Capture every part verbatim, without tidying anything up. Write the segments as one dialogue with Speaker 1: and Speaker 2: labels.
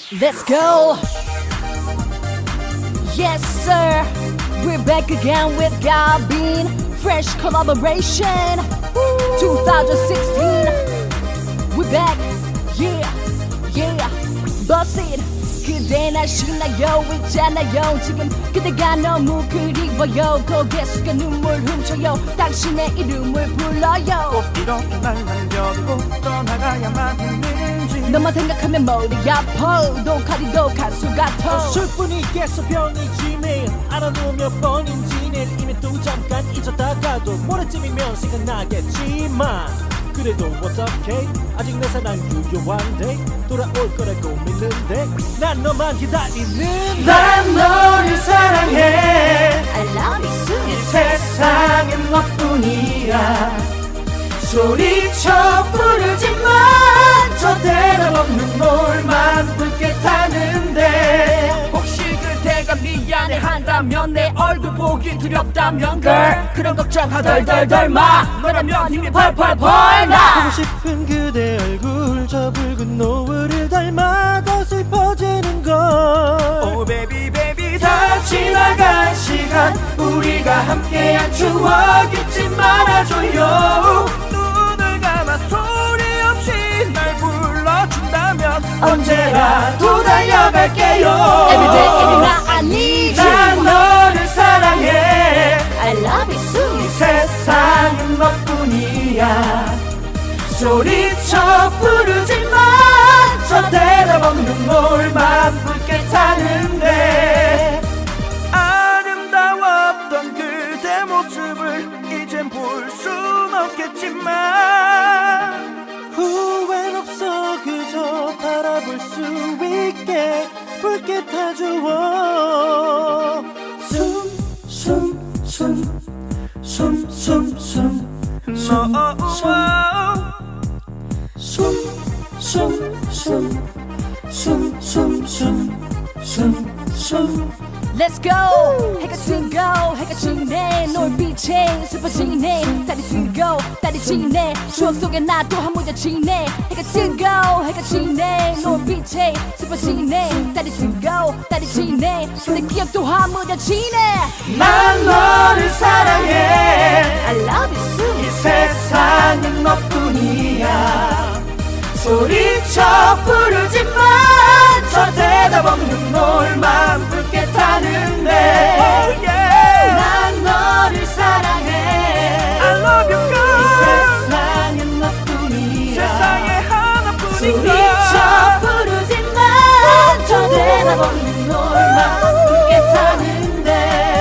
Speaker 1: Let's go. Yes sir, we're back again with Gabin. Fresh collaboration. twenty sixteen. We're back. Yeah, yeah. Bust it. 그대나 신나요 있잖아요 지금 그대가 너무 그리워요 고개 숙여 눈물 훔쳐요 당신의 이름을 불러요
Speaker 2: 꼭 이렇게 날 남겨두고 떠나가야만 했는지
Speaker 1: 너만 생각하면 머리 아파 독하디도 간수 같아
Speaker 2: 술뿐이 있겠어 병이지 매일 알아도 몇 번인지 내일 이미 또 잠깐 잊었다가도 모레쯤이면 생각나겠지만 그래도 어떡해 아직 내 사랑 유효한데 돌아올 거라고 믿는데 난 너만 기다리는 난 너를 사랑해
Speaker 1: I love you soon
Speaker 2: 이 세상엔 너뿐이야 소리쳐 부르지만 저 대답 없는 놀만 붉게 타는데
Speaker 1: 혹시 그대가 미안해한다면 내 얼굴 보기 두렵다면 girl 그런 걱정하 덜덜덜 마 너라면 힘이 펄펄펄 나
Speaker 2: 보고 싶은 그대 얼굴 저 붉은 노을을 닮아 더 슬퍼지는 걸 Oh baby baby 다 지나간 시간 우리가 함께한 추억 잊지 말아줘요 눈을 감아 소리 없이 날 불러준다면 언제라도 달려갈게요
Speaker 1: Everyday every night I need you
Speaker 2: 난 너를 사랑해
Speaker 1: I love you soon
Speaker 2: 이 세상은 너뿐이야 소리쳐 부르지만 저 대답 없는 놀만 붉게 타는데 아름다웠던 그대 모습을 이젠 볼 순 없겠지만 후회는 없어 그저 바라볼 수 있게 붉게 타주어 숨 숨 숨 숨 숨 숨 숨숨숨숨숨숨숨숨숨
Speaker 1: Let's go 해가 지고 해가 지네 노을빛에 슬퍼지네 달이 지고 달이 지네 추억 속에 나 또 한 모자 지네 해가 지고 해가 지네 노을빛에 슬퍼지네 달이 지고 달이 지네 내 기억도 한 모자 지네
Speaker 2: 난 너를 사랑해
Speaker 1: I love you soon
Speaker 2: 이 세상은 너뿐이야 소리쳐 부르지만 저 대답 없는 놀만 붉게 타는데 oh, yeah. 난 너를 사랑해 I love you girl 이 세상은 너뿐이야 세상에 하나뿐인가 소리쳐 부르지만 저 대답 없는 놀만 붉게 타는데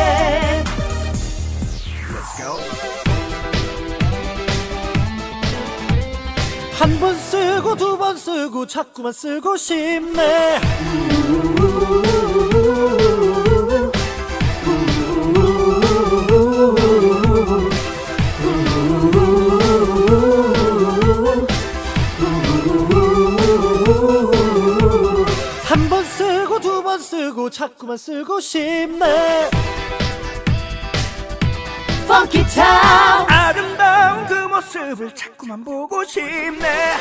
Speaker 2: 한 번 쓰고 두 번 쓰고 자꾸만 쓰고 싶네 한 번 쓰고 두 번 쓰고 자꾸만 쓰고 싶네 Funky Town 아름다운 그 모습을 자꾸만 보고 싶네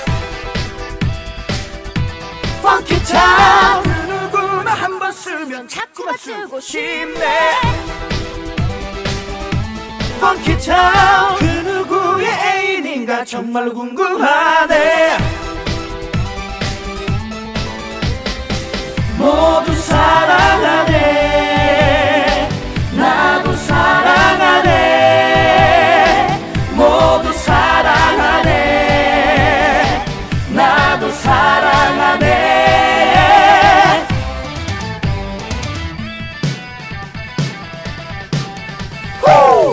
Speaker 2: Funky Town 그 누구나 한 번 쓰면 자꾸만 쓰고 싶네 Funky Town 그 누구의 애인인가 정말로 궁금하네 모두 사랑하네 나도 사랑하네 모두 사랑하네 나도 사랑하네 후!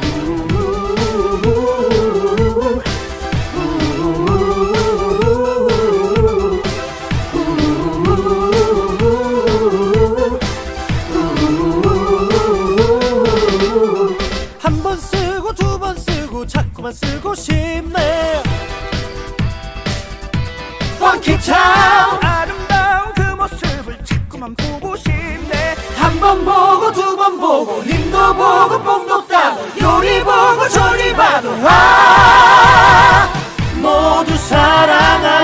Speaker 2: 한 번 쓰고 두 번 쓰고 자꾸만 쓰고 싶네 Funky Town 아름다운 그 모습을 자꾸만 보고 싶네 한 번 보고 두 번 보고 님도 보고 뽕도 따고 요리 보고 저리 봐도 아 모두 사랑하